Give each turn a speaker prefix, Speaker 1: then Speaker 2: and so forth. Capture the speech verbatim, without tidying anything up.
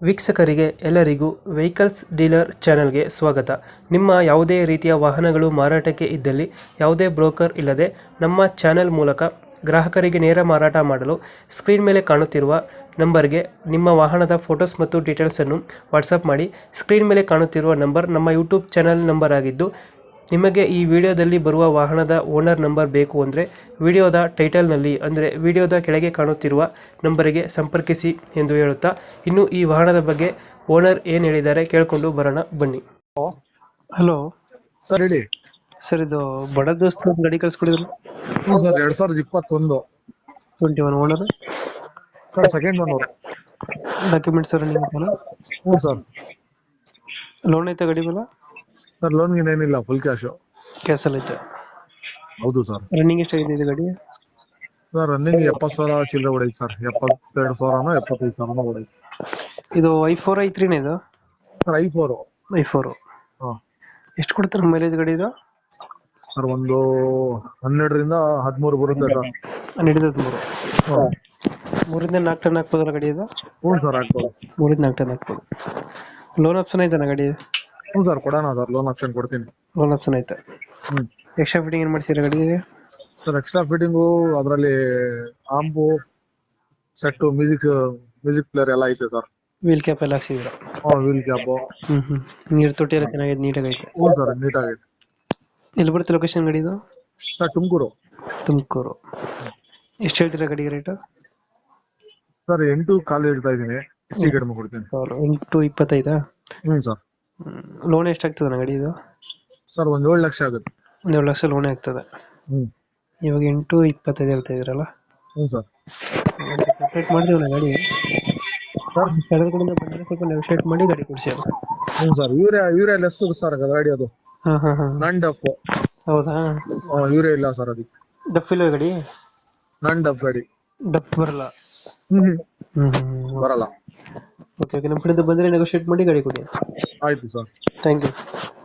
Speaker 1: ವೀಕ್ಷಕರಿಗೆ ಎಲ್ಲರಿಗೂ vehicles dealer ಚಾನೆಲ್ಗೆ ಸ್ವಾಗತ. ನಿಮ್ಮ ಯಾವುದೇ ರೀತಿಯ ವಾಹನಗಳು ಮಾರಾಟಕ್ಕೆ ಇದ್ದಲ್ಲಿ ಯಾವುದೇ ಬ್ರೋಕರ್ ಇಲ್ಲದೆ ನಮ್ಮ ಚಾನೆಲ್ ಮೂಲಕ ಗ್ರಾಹಕರಿಗೆ ನೇರ ಮಾರಾಟ ಮಾಡಲು ಸ್ಕ್ರೀನ್ ಮೇಲೆ ಕಾಣುತ್ತಿರುವ ನಂಬರ್ಗೆ ನಿಮ್ಮ ವಾಹನದ ಫೋಟೋಸ್ ಮತ್ತು ಡೀಟೇಲ್ಸನ್ನು ವಾಟ್ಸಪ್ ಮಾಡಿ. ಸ್ಕ್ರೀನ್ ಮೇಲೆ ಕಾಣುತ್ತಿರುವ ನಂಬರ್ ನಮ್ಮ ಯೂಟ್ಯೂಬ್ ಚಾನೆಲ್ ನಂಬರ್ ಆಗಿದ್ದು, ನಿಮಗೆ ಈ ವಿಡಿಯೋದಲ್ಲಿ ಬರುವ ವಾಹನದ ಓನರ್ ನಂಬರ್ ಬೇಕು ಅಂದರೆ ವಿಡಿಯೋದ ಟೈಟಲ್ನಲ್ಲಿ ಅಂದರೆ ವಿಡಿಯೋದ ಕೆಳಗೆ ಕಾಣುತ್ತಿರುವ ನಂಬರಿಗೆ ಸಂಪರ್ಕಿಸಿ ಎಂದು ಹೇಳುತ್ತಾ, ಇನ್ನು ಈ ವಾಹನದ ಬಗ್ಗೆ ಓನರ್ ಏನು ಹೇಳಿದ್ದಾರೆ ಕೇಳಿಕೊಂಡು ಬರೋಣ ಬನ್ನಿ. ಹಲೋ
Speaker 2: ಸರ್ ಹೇಳಿ.
Speaker 1: ಸರ್, ಇದು ಬಡ ದೋಸ್ತ ಗಾಡಿ ಕಳ್ಸ್ಕೊಡಿದ್ರು.
Speaker 2: ಹ್ಞೂ ಸರ್, ಎರಡ್ ಸಾವಿರದ ಇಪ್ಪತ್ತೊಂದು
Speaker 1: twenty one owner.
Speaker 2: Sir, second owner.
Speaker 1: Documents running ಐತಲ್ಲ?
Speaker 2: ಹ್ಞೂ ಸರ್.
Speaker 1: ಲೋನ್ ಐತೆ ಗಾಡಿ ಮೇಲೆ?
Speaker 2: ಸರ್, ಲೋನ್ ಗೀನ್ ಏನಿಲ್ಲ, ಫುಲ್ ಕ್ಯಾಶು.
Speaker 1: ಕ್ಯಾಸಲ್ ಐತೆ.
Speaker 2: ಹೌದು ಸರ್.
Speaker 1: ರನ್ನಿಂಗ್ ಎಷ್ಟಾಗಿದೆ ಇದು ಗಾಡಿ?
Speaker 2: ಸರ್, ರನ್ನಿಂಗ್ ಎಪ್ಪತ್ತು ಸಾವಿರ ಚಿಲ್ಲರೆ ಹೊಡೈತೆ ಸರ್. ಎಪ್ಪತ್ತೆರಡು ಸಾವಿರನೋ ಎಪ್ಪತ್ತೈದು ಸಾವಿರನೋ ಹೊಡೈತೆ.
Speaker 1: ಇದು ಐ ಫೋರ್ ಐ ತ್ರೀನೇ ಇದು?
Speaker 2: Sir, I four.
Speaker 1: I four.
Speaker 2: ಹಾಂ.
Speaker 1: ಎಷ್ಟು ಕೊಡ್ತಾರೆ ಮೈಲೇಜ್ ಗಾಡಿ ಇದು?
Speaker 2: ಸರ್, ಒಂದು ಹನ್ನೆರಡರಿಂದ ಹದಿಮೂರು ಬರುತ್ತೆ ಸರ್.
Speaker 1: ಹನ್ನೆರಡು ಹದಿಮೂರು.
Speaker 2: ಹಾಂ.
Speaker 1: ಮೂರಿಂದ ನಾಲ್ಕು ಟನ್ ಹಾಕ್ಬೋದಲ್ಲ ಗಾಡಿ ಇದು?
Speaker 2: ಹ್ಞೂ ಸರ್, ಆಗ್ಬೋದು.
Speaker 1: ಮೂರಿಂದ ನಾಲ್ಕು ಟನ್ ಹಾಕ್ಬೋದು. ಲೋನ್ ಆಪ್ಷನ್ ಐತನ ಗಾಡಿ?
Speaker 2: ಹ್ಞೂ ಸರ್, ಕೊಡೋಣ ಸರ್, ಲೋನ್ ಆಪ್ಷನ್ ಕೊಡ್ತೀನಿ.
Speaker 1: ಲೋನ್ ಆಪ್ಷನ್ ಐತೆ.
Speaker 2: ಹ್ಞೂ.
Speaker 1: ಎಕ್ಸ್ಟ್ರಾ ಫಿಟ್ಟಿಂಗ್ ಏನು ಮಾಡ್ತೀರಾ ಗಾಡಿಗೆ?
Speaker 2: ಸರ್, ಎಕ್ಸ್ಟ್ರಾ ಫಿಟ್ಟಿಂಗು ಅದರಲ್ಲಿ ಆಂಬು ಸೆಟ್ಟು, ಮ್ಯೂಸಿಕ್ ಮ್ಯೂಸಿಕ್ ಪ್ಲೇಯರ್ ಎಲ್ಲ ಐತೆ ಸರ್.
Speaker 1: ವೀಲ್ ಕ್ಯಾಪ್ ಎಲ್ಲ ಹಾಕ್ಸಿದ್ದೀರಾ?
Speaker 2: ಹಾಂ, ವೀಲ್ ಕ್ಯಾಪು.
Speaker 1: ಹ್ಞೂ ಹ್ಞೂ ನೀರು ತೊಟ್ಟಿ ಎಲ್ಲ ಚೆನ್ನಾಗಿದೆ, ನೀಟಾಗೈತೆ.
Speaker 2: ಹ್ಞೂ ಸರ್, ನೀಟಾಗೈತೆ.
Speaker 1: ಎಲ್ಲಿ ಬರುತ್ತೆ ಲೊಕೇಶನ್ ಗಾಡಿ ಇದು?
Speaker 2: ಸರ್, ತುಮಕೂರು.
Speaker 1: ತುಮಕೂರು. ಎಷ್ಟು ಹೇಳ್ತೀರಾ ಗಾಡಿಗೆ ರೇಟು?
Speaker 2: ಸರ್, ಎಂಟು ಕಾಲು ಹೇಳ್ತಾ ಇದ್ದೀನಿ, ಹೆಚ್ಚು ಕಡಿಮೆ ಕೊಡ್ತೀನಿ.
Speaker 1: ಎಂಟು ಇಪ್ಪತ್ತೈದಾ?
Speaker 2: ಹ್ಞೂ ಸರ್.
Speaker 1: ಲೋನ್ ಎಷ್ಟಾಗ್ತದೆ ಗಾಡಿ ಇದು?
Speaker 2: ಸರ್, ಒಂದು ಏಳು ಲಕ್ಷ ಆಗುತ್ತೆ.
Speaker 1: ಒಂದು ಏಳು ಲಕ್ಷ ಲೋನೇ ಆಗ್ತದೆ.
Speaker 2: ಹ್ಞೂ.
Speaker 1: ಇವಾಗ ಎಂಟು ಇಪ್ಪತ್ತೈದು ಹೇಳ್ತಾ ಇದ್ದೀರಲ್ಲ?
Speaker 2: ಹ್ಞೂ ಸರ್.
Speaker 1: ಸಪ್ರೇಟ್ ಮಾಡಿದ್ರಲ್ಲ ಗಾಡಿ?
Speaker 2: ಸರ್,
Speaker 1: ಕಳೆದ ಕಡೆಯಿಂದ ಬಂದರೆ ಸ್ವಲ್ಪ ನೆಗೋಷಿಯೇಟ್ ಮಾಡಿ ಗಾಡಿ ಕೊಡಿಸಿ ಅದು.
Speaker 2: ಹ್ಞೂ sir. Urea urea less sir ಗಾಡಿ ಅದು.
Speaker 1: ಹಾಂ ಹಾಂ ಹಾಂ
Speaker 2: ನಾನ್ ಡಫ್.
Speaker 1: ಹೌದಾ?
Speaker 2: ಯೂರಿಯಾ ಇಲ್ಲ ಸರ್ ಅದಕ್ಕೆ.
Speaker 1: ಡಫ್ ಇಲ್ಲ ಗಾಡಿ?
Speaker 2: ನಾನ್ ಡಫ್ ಗಾಡಿ.
Speaker 1: ಡಫ್ ಬರಲ್ಲ?
Speaker 2: ಹ್ಞೂ
Speaker 1: ಹ್ಞೂ ಹ್ಞೂ
Speaker 2: ಬರಲ್ಲ.
Speaker 1: ಓಕೆ ಓಕೆ, ನಮ್ಮ ಕಡೆಯಿಂದ ಬಂದರೆ ನೆಗೋಷಿಯೇಟ್ ಮಾಡಿ ಗಾಡಿ ಕೊಡಿ.
Speaker 2: ಆಯಿತು ಸರ್.
Speaker 1: Thank you.